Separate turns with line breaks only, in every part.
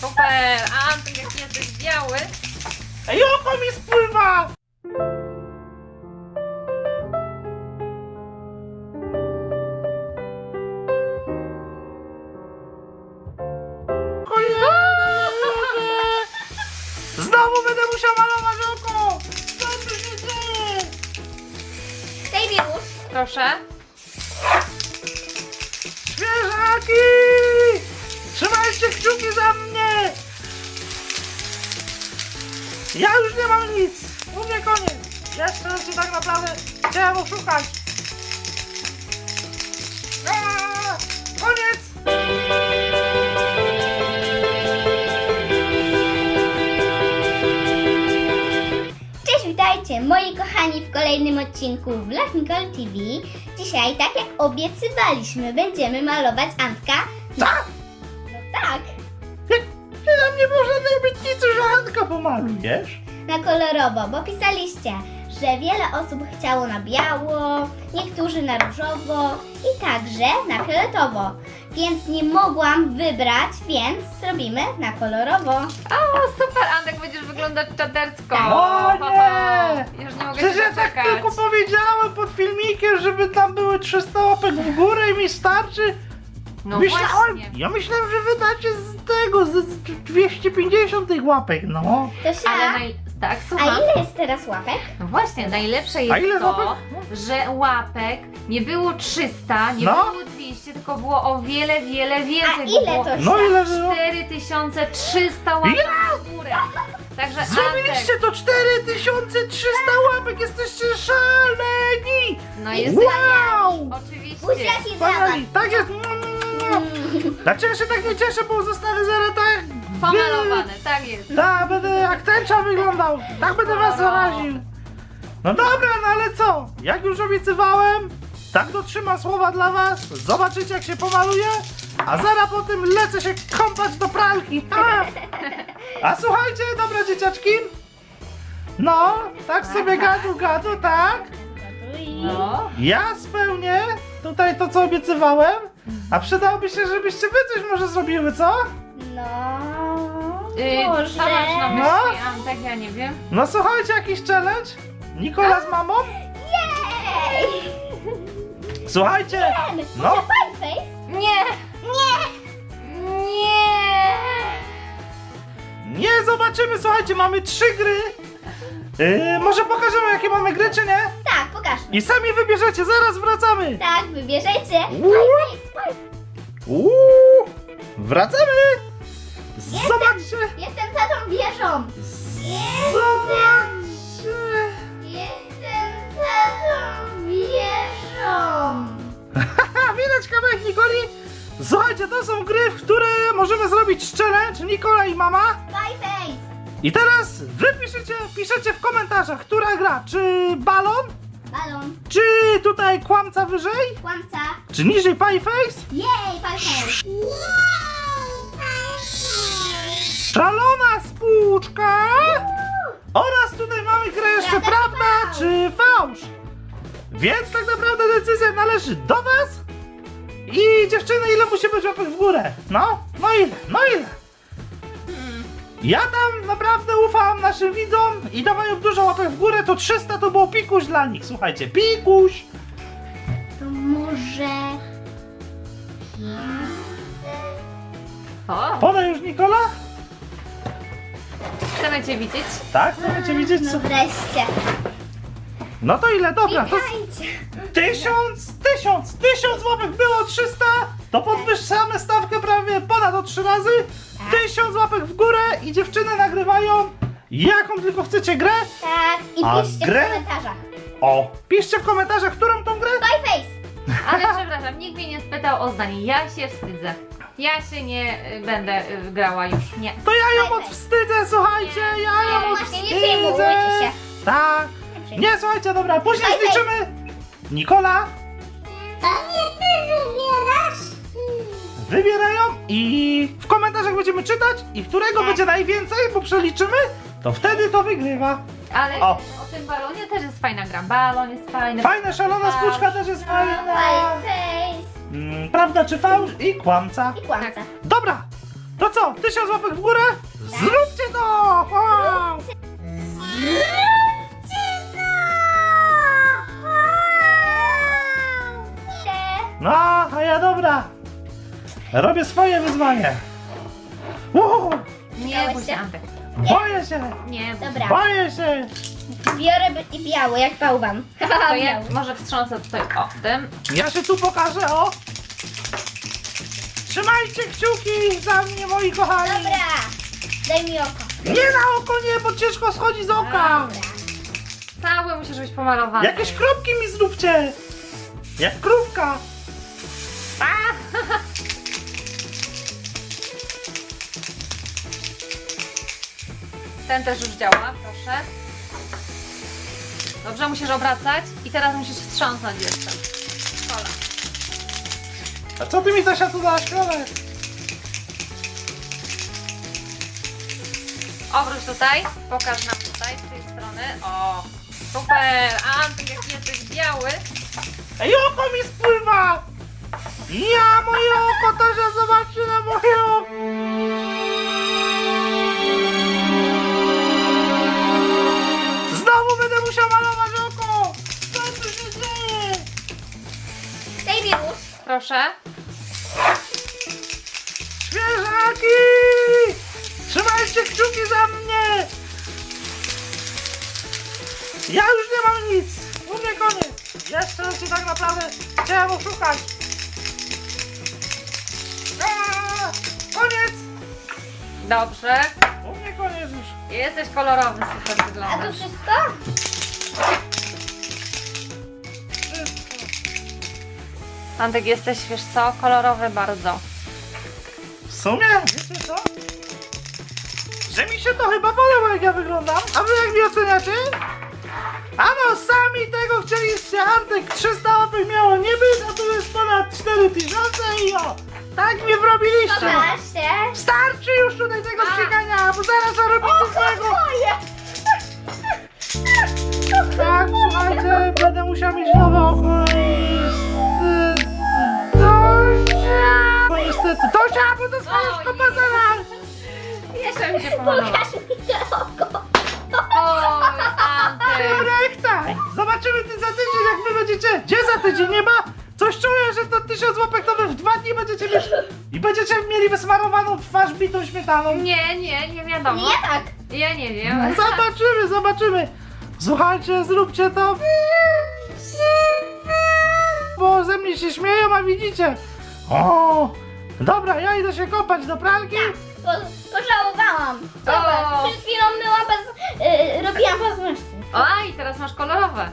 Super! Antek, jak jesteś biały.
Ej, oko mi spływa! Znowu będę musiał malować oko! Co tu się dzieje?
Daj już.
Proszę.
Świeżaki! Trzymajcie kciuki za mnie! Ja już nie mam nic! U mnie koniec! Jeszcze raz się tak naprawdę chciałem oszukać! Koniec!
Cześć, witajcie moi kochani w kolejnym odcinku Vlog Nicole TV. Dzisiaj, tak jak obiecywaliśmy, będziemy malować Antka.
Co?
No tak,
Ty nam nie było żadnej obietnicy, że Antka pomalujesz?
na kolorowo, bo pisaliście, że wiele osób chciało na biało, niektórzy na różowo i także na fioletowo. Więc nie mogłam wybrać, więc zrobimy na kolorowo.
O, super, Antek, będziesz wyglądać czadersko.
O nie!
Już nie mogę
Przecież
się
ja tak
doczekać.
tylko powiedziałem pod filmikiem, żeby tam były 300 łapek w górę i mi starczy.
No
Myślałem,
właśnie.
ja myślałem, że wydacie z tego, z 250 tych łapek, no.
Tosia,
Ale tak,
a
słucham.
ile jest teraz łapek?
No właśnie, najlepsze
A
jest
ile
to,
łapek?
że łapek nie było 300, nie
No.
było 200, tylko było o wiele, wiele więcej.
A
bo
ile
było
to
No ile było?
4300 łapek w górę. Także Antek,
Zrobiliście to 4300 łapek, jesteście szaleni!
no jest
Wow!
oczywiście.
Buziaki dla was.
Wspaniali, tak jest! Dlaczego się tak nie cieszę, bo zostanę zaraz tak...
Pomalowane, tak jest.
Tak, będę jak tęcza wyglądał. Tak będę was zaraził. No dobra, no ale co? Jak już obiecywałem, tak dotrzymam słowa dla was. Zobaczycie, jak się pomaluje. A zaraz po tym lecę się kąpać do pralki. A słuchajcie, dobra dzieciaczki. No, tak sobie gadu, tak.
No.
Ja spełnię tutaj to, co obiecywałem. A przydałoby się, żebyście wy coś może zrobiły, co?
No,
Co masz na
może.
myśli, Antek? Ja nie wiem.
No słuchajcie, jakiś challenge? Nikola z mamą?
Jej!
Słuchajcie,
No.
no.
Face?
Nie!
Nie!
Nie!
Nie zobaczymy, słuchajcie, mamy 3 gry. Może pokażemy, jakie mamy gry, czy nie?
Tak, pokażmy.
I sami wybierzecie, zaraz wracamy.
Tak, wybierzecie.
Wracamy. Zobaczcie.
Jestem tatą wieżą.
Zobaczcie.
Jestem tatą wieżą.
Haha, widać kawałek Nikoli. Słuchajcie, to są gry, w które możemy zrobić challenge, Nikola i mama.
Face.
I teraz wy piszecie w komentarzach, która gra. Czy balon?
Balon.
Czy tutaj kłamca wyżej?
Kłamca.
Czy niżej pie face?
Jej, face.
Szalona spłuczka! Oraz tutaj mamy grę jeszcze prawda czy fałsz. Więc tak naprawdę decyzja należy do was. I dziewczyny, ile musi być łapek w górę? No ile? Ja tam naprawdę ufam naszym widzom i dawają dużo łapek w górę, to 300 to było pikuś dla nich. Słuchajcie, pikuś!
To może...
O,
Podaj już Nikola?
chcemy cię widzieć.
Tak, chcecie widzieć co?
No wreszcie.
No to ile? Dobra, to...
Witajcie.
1000 łapek było 300, to podwyższamy stawkę prawie ponad o 3 razy. 1000 łapek w górę i dziewczyny nagrywają jaką tylko chcecie grę.
Tak, i
A
piszcie
grę?
w komentarzach.
O, piszcie w komentarzach, którą tą grę.
Face.
Ale przepraszam, nikt mnie nie spytał o zdanie. Ja się wstydzę. Ja się nie będę grała już. Nie.
To ja ją odwstydzę, słuchajcie, ja ją
Właśnie, nie przejmujcie
odwstydzę.
się.
Tak. Nie, słuchajcie, dobra, później
Bye, bye.
zliczymy. Nikola,
To nie ty wybierasz.
wybierają i w komentarzach będziemy czytać i którego
Tak.
będzie najwięcej, bo przeliczymy, to wtedy to wygrywa.
Ale
O.
o tym balonie też jest fajna gra. Balon jest fajny.
Fajna, szalona spłuczka też jest fajna.
Face.
Prawda czy fałsz i kłamca.
I kłamca.
Dobra, To co? 1000 łapek w górę? Zróbcie to! Wow! No, a ja dobra. Robię swoje wyzwanie. Wow!
Nie bój się, Antek.
Boję się!
Nie bój się.
Dobra,
Boję się!
biorę i biały, jak bałwan.
To ja może wstrząsę tutaj o tym.
Ja się tu pokażę, o! Trzymajcie kciuki za mnie, moi kochani!
Dobra, daj mi oko.
Nie na oko nie, bo ciężko schodzi z oka!
Dobra.
Cały musisz być pomalowany.
Jakieś kropki mi zróbcie! Jak krówka!
Ten też już działa, proszę. Dobrze, musisz obracać i teraz musisz wstrząsnąć jeszcze. Kola.
A co ty mi Zosia tu dałaś, krowę?
Obróć tutaj, pokaż nam tutaj, z tej strony. O, super! Antek, jak jesteś biały.
Ej, oko mi spływa! Ja, moje oko, to się zobaczy na moje oko! Znowu będę musiał malować oko! Co tu się dzieje?
Daj mi róż.
Proszę.
Świeżaki! Trzymajcie kciuki za mnie! Ja już nie mam nic! U mnie koniec! Jeszcze się tak naprawdę chciałem oszukać! Koniec!
Dobrze.
U mnie koniec już!
Jesteś kolorowy, super
A to
wyglądasz.
wszystko?
Antek, jesteś, wiesz co, kolorowy bardzo.
W sumie, wiecie co? Że mi się to chyba podoba, jak ja wyglądam. A wy jak mnie oceniacie? Ano, sami tego chcieliście. Antek 300 łapek miało nie być, a tu jest ponad 4000 i o! Tak mnie wrobiliście!
Pokaż się.
Starczy już tutaj tego ścigania, bo zaraz zarobicie złego!
Moje.
Tak, słuchajcie, będę musiał mieć nowe oko i... Tosia! No niestety, Tosia, bo to swoje kopa zaraz!
Jeszcze mi się pomalował.
Pokaż mi to oko.
Oj, Antek.
Rekta! Zobaczymy ty za tydzień, jak wy będziecie... Gdzie za tydzień? Nie ma? Coś czuję, że to 1000 łapek to wy w 2 dni będziecie mieć... I będziecie mieli wysmarowaną twarz bitą śmietaną.
Nie wiadomo.
Nie tak.
Ja nie wiem.
Zobaczymy, zobaczymy. Słuchajcie, zróbcie to. Bo ze mnie się śmieją, a widzicie. O, dobra, ja idę się kopać do pralki.
Pożałowałam. Zobacz,
O.
przed chwilą myłam robiłam paznokcie.
Oj, teraz masz kolorowe.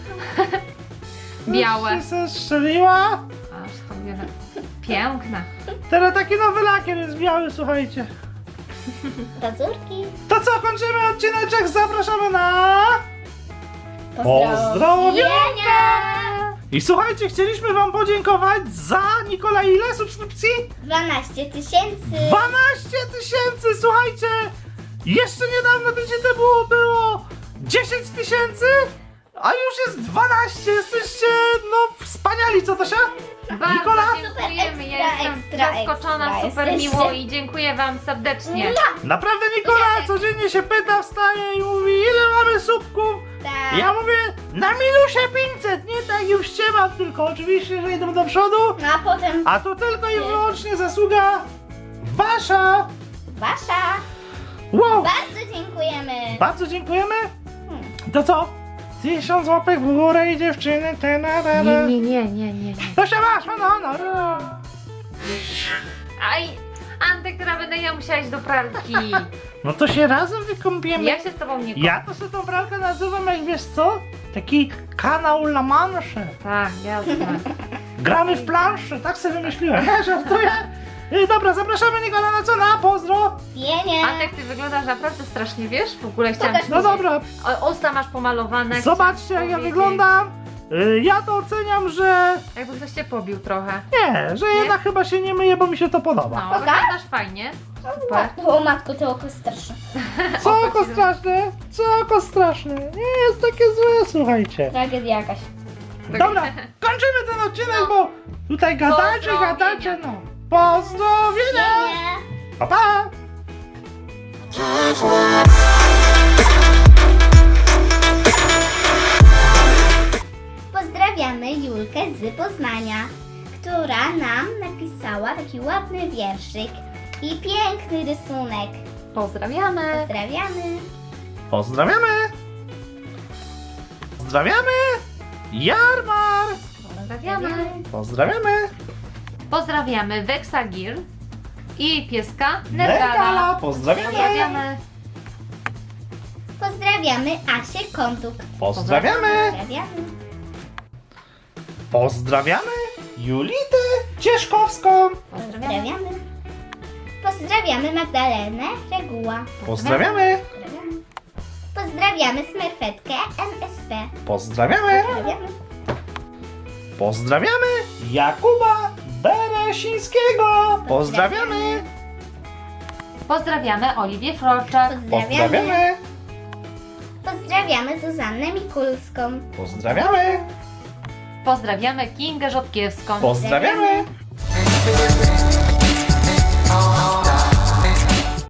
Białe.
Już się strzeliła.
Aż to wiele. Piękne.
Teraz taki nowy lakier jest biały, słuchajcie.
Pazurki.
To co, kończymy odcineczek, zapraszamy na...
Pozdrowienia.
Pozdrowienia. I słuchajcie, chcieliśmy wam podziękować za, Nikola, ile subskrypcji?
12 000.
12 000, słuchajcie! Jeszcze niedawno tydzień temu było 10 000, a już jest 12. Jesteście, no, wspaniali, co Tosia?
Bardzo
Nikola?
dziękujemy. Ja
Ekstra,
jestem
ekstra,
zaskoczona,
ekstra
super
jesteście.
miło i dziękuję wam serdecznie.
Naprawdę Nikola codziennie się pyta, wstaje i mówi, ile mamy subków?
Tak.
Ja mówię, na minusie 500, nie tak już ściemam, tylko oczywiście, że idą do przodu,
No a potem
a to tylko i wyłącznie zasługa wasza.
wasza.
Wow,
Bardzo dziękujemy.
bardzo dziękujemy. To co? 1000 łapek w górę i dziewczyny,
Nie.
Tosia masz, no.
Aj, Antek, teraz będę ja musiała iść do pralki.
No to się razem wykąpiemy.
Ja się z tobą nie
Ja to sobie tą pralkę nazywam, jak wiesz co? Taki kanał La Manche.
Tak, jasne.
Gramy w planszę, tak sobie wymyśliłem. Nie, żartuję. Dobra, zapraszamy Nikola na co? Na pozdro.
Pienie.
Antek, ty wyglądasz naprawdę strasznie, wiesz? W ogóle chciałam
Pokaż
ci
No dobra,
Usta masz pomalowane.
zobaczcie jak ja
powiedzieć.
wyglądam. Ja to oceniam, że
Jakby ktoś cię pobił trochę.
nie, że jednak chyba się nie myję, bo mi się to podoba.
No,
Pokaż?
wyglądasz fajnie. Super.
O matko, to oko straszne.
Co
oko
oko
ci-
straszne? Co oko straszne? Nie jest takie złe, słuchajcie.
Tragedia jakaś.
Dobra, kończymy ten odcinek, bo tutaj gadacie,
Pozdrowienia.
no. Pozdrowienia!
Pienie.
Pa, pa!
Pozdrawiamy Julkę z Poznania, która nam napisała taki ładny wierszyk i piękny rysunek.
Pozdrawiamy.
Pozdrawiamy.
Pozdrawiamy! Pozdrawiamy! Jarmar!
Pozdrawiamy.
Pozdrawiamy!
Pozdrawiamy Weksagir i pieska
Nergala!
Nergala.
Pozdrawiamy!
Pozdrawiamy.
Pozdrawiamy Asię Kątuk.
Pozdrawiamy!
Pozdrawiamy.
Pozdrawiamy Julitę Cieszkowską!
Pozdrawiamy. Pozdrawiamy Magdalenę Reguła.
Pozdrawiamy!
Pozdrawiamy. Pozdrawiamy Smerfetkę MSP.
Pozdrawiamy!
Pozdrawiamy.
Pozdrawiamy Jakuba Beresińskiego! Pozdrawiamy!
Pozdrawiamy Oliwię Froczak.
Pozdrawiamy!
Pozdrawiamy Zuzannę Mikulską.
Pozdrawiamy!
Pozdrawiamy Kingę Rzodkiewską.
Pozdrawiamy!